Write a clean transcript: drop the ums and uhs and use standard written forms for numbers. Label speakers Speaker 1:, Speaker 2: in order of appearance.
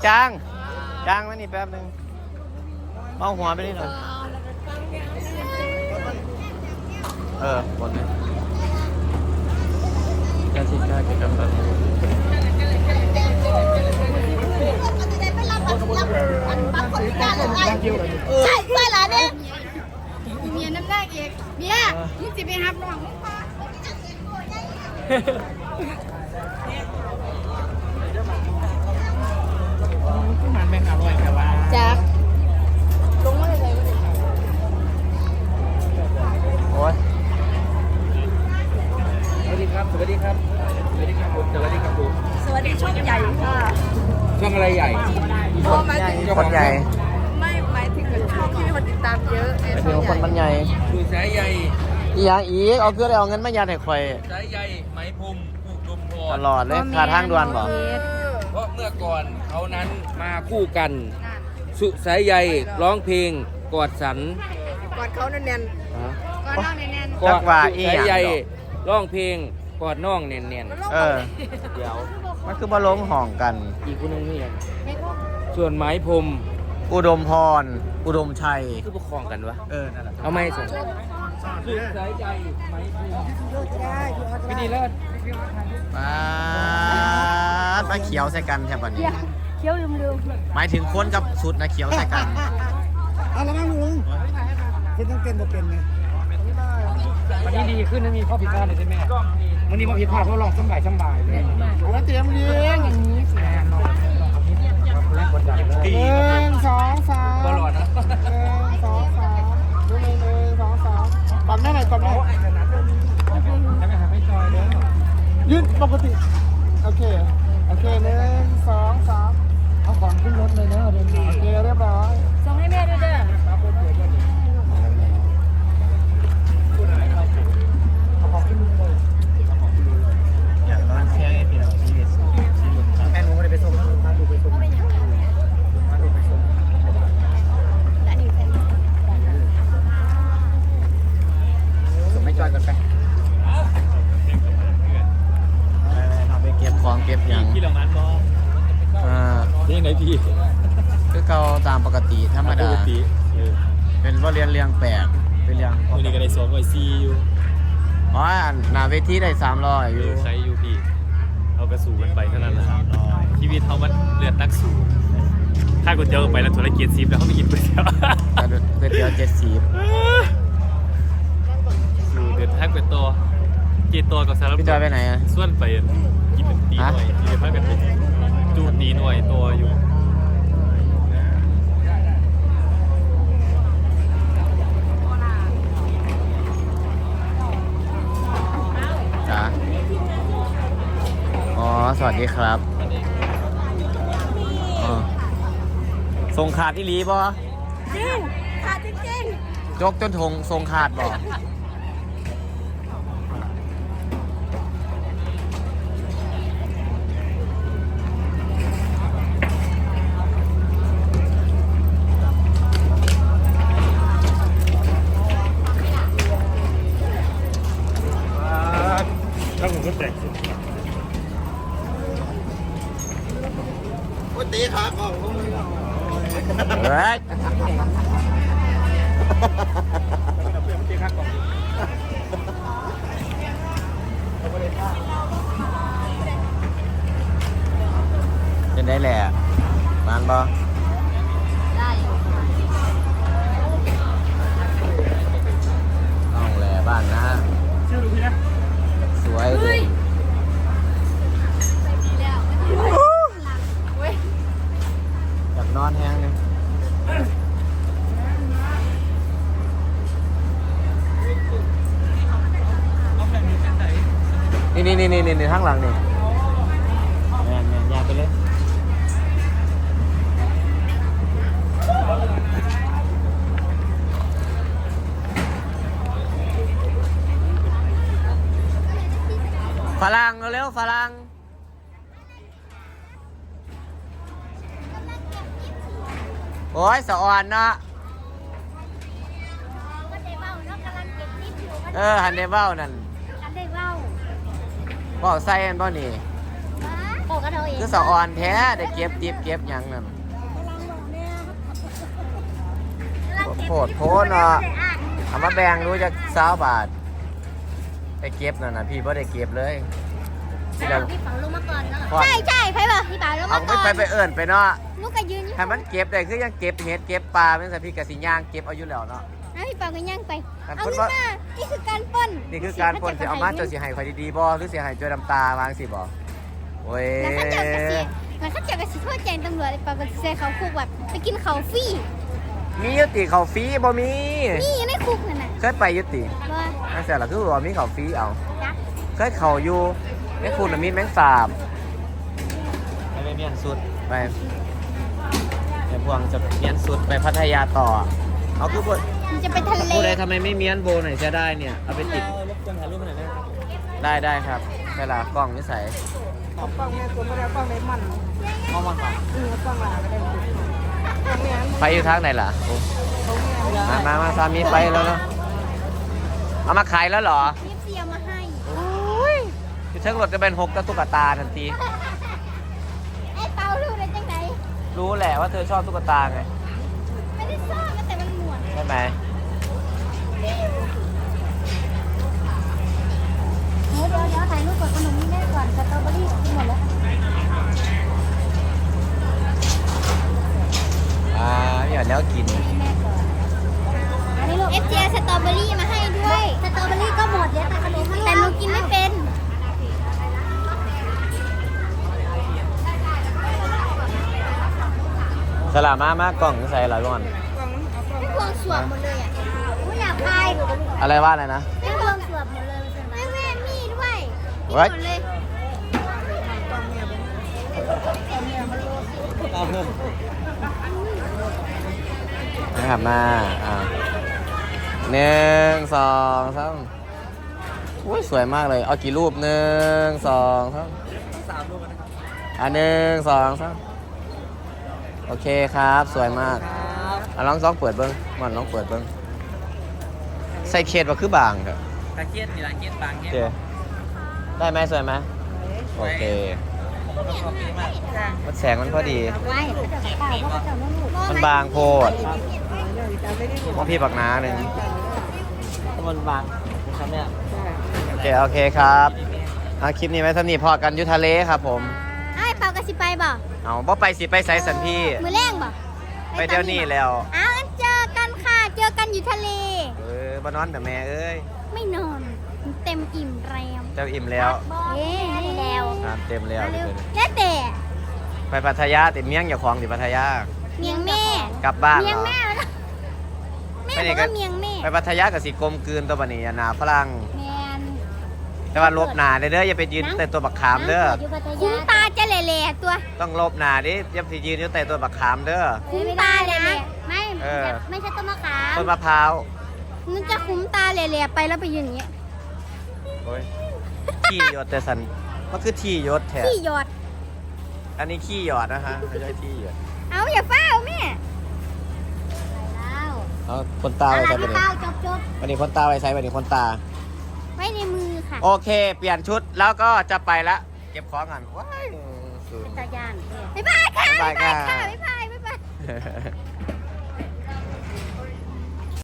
Speaker 1: จางมานี่แป๊บนึงเอาหัวไปนี่หน่อยหมดเลยการสินค้าเกี่ยวกับ
Speaker 2: ใช่ใช่หลานเนี่ยเมียน้ำหน้าเอกเมียมึงจะไปหับน้อง
Speaker 3: มันแม่งอร่อยแต่ว่า
Speaker 2: จักลงมาเลย
Speaker 1: โอ้ย
Speaker 3: สวัสดีครับสวัสดีครับสวัสดีครับผมสวัสดีครับผม
Speaker 2: สวัสดีช่องใหญ่ค่ะ
Speaker 3: ช่องอะไรใหญ่
Speaker 2: หมายถึง
Speaker 1: คนใหญ่
Speaker 2: ไม่หมายถึงช่องที่มีคนติดตามเยอะ
Speaker 1: ไอ้เพียงคนมันใหญ่
Speaker 3: ดูสายใย
Speaker 1: อีหยังอีกเอาเพื่ออะไรเอาเงินมายัดให้ข่อย
Speaker 3: สายใยไหมพรมผูกลมพ
Speaker 1: ต
Speaker 3: ร
Speaker 1: ลอดเลยขาทางด่วนบ่
Speaker 3: เพราะเมื่อก่อนเขานั้นมาคู่กัน สุสายใยร้องเพลงกอดสัน
Speaker 2: กอดเขาแน่นๆกอดน้องแน่น
Speaker 3: กอดสุสายใยร้องเพลงกอดน้องเนียน
Speaker 1: เออ
Speaker 3: ๆเดี๋ยว
Speaker 1: มันคือมาลงห้องกัน
Speaker 3: อีกคนนึงนี่ยัง
Speaker 2: ๆไม่พบ
Speaker 3: ส่วนไหมพรม
Speaker 1: อุดมพร อุดมชัย
Speaker 3: คือประคองกันวะ
Speaker 1: นั่นแหละ
Speaker 3: เอาไม่ส่งสุสายใยไหมพรมไม่ดีเลิศ
Speaker 1: มาเขียวใส่กันแทบวันนี้
Speaker 2: เคี้ยวลืม
Speaker 1: หมายถึงคนกับสุดนะเขียวใส่กัน
Speaker 4: เอาละมั้งลุงคุณต้องเต้นบ่เป็นไง
Speaker 3: วันนี้ดีขึ้นนะมีข้อผิดพลาดเลยใช่ไหมวันนี้ข้อผิดพลาดเพราะลองสบายเลย
Speaker 4: เอาละเตรียมเรียง
Speaker 2: อย่างนี้สิ
Speaker 3: แน่นอนแรงกดดันเลย
Speaker 4: หนึ่งสองสาม
Speaker 3: บอลลอดนะ
Speaker 4: หนึ่งสองสามดูหนึ่งสองสามปั๊มแม่หน่อยปั๊มแม่
Speaker 3: จะไม่หาไม่จอยเลย
Speaker 4: ยืนปกติโอเคโอเคหนึ่งสองสามเอาของขึ้นรถเลยเนอะเดินโอเคเรียบร้อย
Speaker 2: ส่งให้แม่ด้วยเด้อ
Speaker 1: อยากนอนเที่ยงไอ้พี่น้องชีวิต
Speaker 4: แม่หนูไม่ได้ไปส่งมาดูไปส่งมาดูไปส่ง
Speaker 2: และนี่เป็น
Speaker 4: ส่งไม่จอยกันไป
Speaker 1: ทำไปเก็บของเก็บอย่าง
Speaker 3: พี่เหล่านั้นบอ นี่ไหนพี่
Speaker 1: คือเขาตามปกติธรรมดา เป็นว่าเรียนเรียงแปลกเป็นเรียง
Speaker 3: วันนี้ก็ได้สอนไว้ซีอยู่
Speaker 1: อ๋อหนาเวทีได้300อยู่
Speaker 5: ใช้ยูพีเอากระสูกันไปเท่านั้นแหละชีวิตเขามันเลือดนักสูถ้าก๋วยเตี๋ยวไปแล้วธุรกิจซีฟแล้วเขาไม่กินก๋วยเตี๋ยว
Speaker 1: ก๋วยเตี๋ยว70
Speaker 5: สูเดือดแท็กเป็นตัวกีตัวกับสารพัด
Speaker 1: พี่จอยไปไหนอ่ะ
Speaker 5: ส่วนไปกินเป็นตีหน่วยกินเป็นพักกันเป็นจูตีหน่วยตัวอยู่
Speaker 1: จ๋าอ๋อสวัสดีครับอ๋อส่งขาดที่ลีบ่
Speaker 2: จริงขาดจริง
Speaker 1: จกจนทงส่งขาดบ่
Speaker 5: ถ้าผมก็แตก
Speaker 4: โอ้ตีขาของ
Speaker 1: เฮ้ยเป็นได้แหละบ้านบ่
Speaker 2: ๆได้
Speaker 1: น้องแหละบ้านนะสวยเลย อยากนอนแห้งเลยนี่ข้างหลังนี่แม่ยากไปเลยฝรั่งเร็วฝรั่งโอ้ยสะอ่อนเนาะฮันเดเบ้านั่น
Speaker 2: อันได้เว้า
Speaker 1: เบ้าใส่อันบ่นี่
Speaker 2: บอกกันเอาเอง
Speaker 1: คือสะออนแท้ได้เก็บติ๊บเก็บหยังนั่นโคตรโพนเนาะเอามาแบ่งรู้จัก20 บาทไปเก็บนั่นน่ะพี่บ่ได้เก็บเลยที่เรา
Speaker 2: พี่เป๋าลงมาก่อนเนาะใช่ใครบอกพี่เป๋าลง
Speaker 1: เอา
Speaker 2: มาก่อน
Speaker 1: ไปเอิ้นไปเนาะ
Speaker 2: ลูกก็ยืนอยู่
Speaker 1: ให้มันเก็บได้คือยังเก็บเห็ดเก็บปลาเป็นสัตว์พี่กสิย่างเก็บเอาอยู่แล้วเนาะ
Speaker 2: พี่เป๋าก็ย่างไป
Speaker 1: การ
Speaker 2: เอา
Speaker 1: ปล้น
Speaker 2: ขึ้น
Speaker 1: ว่า
Speaker 2: มานี่คือการปล้น
Speaker 1: นี่คือการปล้นสิเอามาเจ้าสิให้ข่อยดีๆบ่หรือสิให้จอยน้ำตาวางสิบ่โอ้ย
Speaker 2: แล้วเขาเจอกระสีแล้วเขาเจอกระสีโทษแจ้งตำรวจเป๋าก็ใส่เขาคุกแบบไปกินเขาฟรี
Speaker 1: มียุติเขาฟรีบ่มี
Speaker 2: นี่ในคุกนั่นน่ะ
Speaker 1: เคยไปยุติ
Speaker 2: ว่า
Speaker 1: นั่นแหละคือว่ามีเขาฟรีเอา
Speaker 2: จัก
Speaker 1: เคยเขาอยู่ในคุณน่ะมีแมงสาบไปเมียนสุดไปพวงจะเมียนสุดไปพัทยาต่อเอาคือบ่
Speaker 2: มันจะไปทะเล
Speaker 1: พูดเลยทำไมไม่เมียนโบหน่อยจะได้เนี่ยเอาไปติด
Speaker 5: รบกวนถ่ายรูปหน่อยได้
Speaker 1: ได้ครับเวลากล้องนิสัย
Speaker 4: ป้องแม่ตัวไม่ได้ป้องในมัน
Speaker 1: เอามาค่ะ
Speaker 4: ป้องหลาไม่ได้ป้องแม่
Speaker 1: ไฟอยู่ทางไหนล่ะโอ้มาสามีไฟแล้วเนาะเอามาขายแล้วเหรอ
Speaker 2: เรียบเสียมาให้
Speaker 1: คือเชิงรถจะเป็น6ตุ๊กตาทันที
Speaker 2: ไอ้เป๋ารู้ได้จังไหน
Speaker 1: รู้แหละว่าเธอชอบตุ๊กตาไง
Speaker 2: ไม่ได้ซ่อนนะแต่มันหมวน
Speaker 1: ใช่ไหม
Speaker 2: เดี๋ยวถ่ายรูปกับขนมนี่แม่ก่อนสตรอเบอรี่กินหมดแล้ว
Speaker 1: อย่าแล้วกิน
Speaker 2: อันนี้ลูกเอฟเจสตรอเบอรี่มาให้ด้วย สตรอเบอรี่ก็หมดแล้วแต่ขนมแต่หนูกินไม่เป็น
Speaker 1: สลามามากกล่องใส่อะไรก่อน
Speaker 2: ไม่ควงสวมหมดเลยอ่ะไม่อยากพาย
Speaker 1: อะไรว่าอะไรนะ
Speaker 2: ไม่ควงสวมหมดเลยไม่แม่มีด้วยมี
Speaker 1: What?
Speaker 2: หมดเลย
Speaker 1: นะครับมา1 2 3อุ้ยสวยมากเลย เอากี่รูป1 2 3
Speaker 5: 3 รูปนะครับ
Speaker 1: 1 2 3โอเคครับ สวยมากลองเปิดเบิ้งมันลองเปิดเบิ้งใส่เคสว่าคือบางครับ
Speaker 5: ตะเกียบนี่ละเกียบบาง
Speaker 1: โอ
Speaker 5: เงี้ย
Speaker 1: เคได้ไหมสวยไหมโอเค
Speaker 5: ผมก็ชอบดีมาก
Speaker 1: มันแสงมันพอดี
Speaker 2: ไว้
Speaker 1: มันบางโพดว่าพี่ปักน้าหนึ่ง
Speaker 5: มันบางนะครับเนี่ย
Speaker 1: โอเคครับคลิปนี้ไว้สำนีพอกันอยุทะเลครับผม
Speaker 2: ไอ้เปากระสิไปบ่
Speaker 1: เอาบ่ไปสิไปไซสันพี่
Speaker 2: มือแรงบ่
Speaker 1: ไปเดี๋ยวนี้แล้ว
Speaker 2: อ้าวงั้นเจอกันค่ะ เจอกันอยู่ทะเล
Speaker 1: บ้านนอนแต่แม่เอ้ย
Speaker 2: ไม่นอนเต็มอิ่มแรม
Speaker 1: เจ้าอิ่มแล้ว
Speaker 2: เย้แล้ว
Speaker 1: น้ำเต็มแล้ว
Speaker 2: แล้วแต่
Speaker 1: ไปพัทยาติดเมี่ยงอย่าคลองติดพัทยา
Speaker 2: เมียงแม่
Speaker 1: กลับบ้าน
Speaker 2: เมี
Speaker 1: เห
Speaker 2: ย
Speaker 1: รง อ
Speaker 2: แม่แล้วนะแม่
Speaker 1: ไม่
Speaker 2: บ
Speaker 1: ได้
Speaker 2: อก
Speaker 1: ก็
Speaker 2: ว่าเมียงแม่
Speaker 1: ไปพัทยากับสีกลมกลืนตัวบันนี้หนาฝรั่ง
Speaker 2: แมน
Speaker 1: แต่ว่าลบหนาเด้ออย่าไปยืนแต่ตัวบักขามเด้อ
Speaker 2: คุ้มตาจะแหล่ๆตัว
Speaker 1: ต้องลบหนาดิอย่าไปยืนอยู่แต่ตัวบักขามเด้อ
Speaker 2: คุ้มตาแหล่ๆไม่
Speaker 1: เออ
Speaker 2: ไม่ใช่ต้นมะขาม
Speaker 1: ต้นมะพร้าว
Speaker 2: มันจะคุ้มตาแหล่ๆไปแล้วไปยืนอย่างเงี้ย
Speaker 1: โอ้ยขี้หยดแต่สันมันคือที่หยดแท้
Speaker 2: ที่หยอด
Speaker 1: อันนี้ขี้หยอดนะฮะไม่ใช่ที่หยด
Speaker 2: เอาอย่าเฝ้าแม่แล้ว
Speaker 1: เอาคนตาไว้ใส่ไป
Speaker 2: พี่
Speaker 1: เลย
Speaker 2: เฝ้าจบ
Speaker 1: วันนี้คนตาไว้ใส่วันนี้คนตา
Speaker 2: ๆไว้ในมือค่ะ
Speaker 1: โอเค เปลี่ยนชุดแล้วก็จะไปละเก็บของกันว้าย
Speaker 2: ตาย่านบ๊ายบายค่ะ
Speaker 1: บ๊ายบายค่ะ
Speaker 2: บ๊ายบาย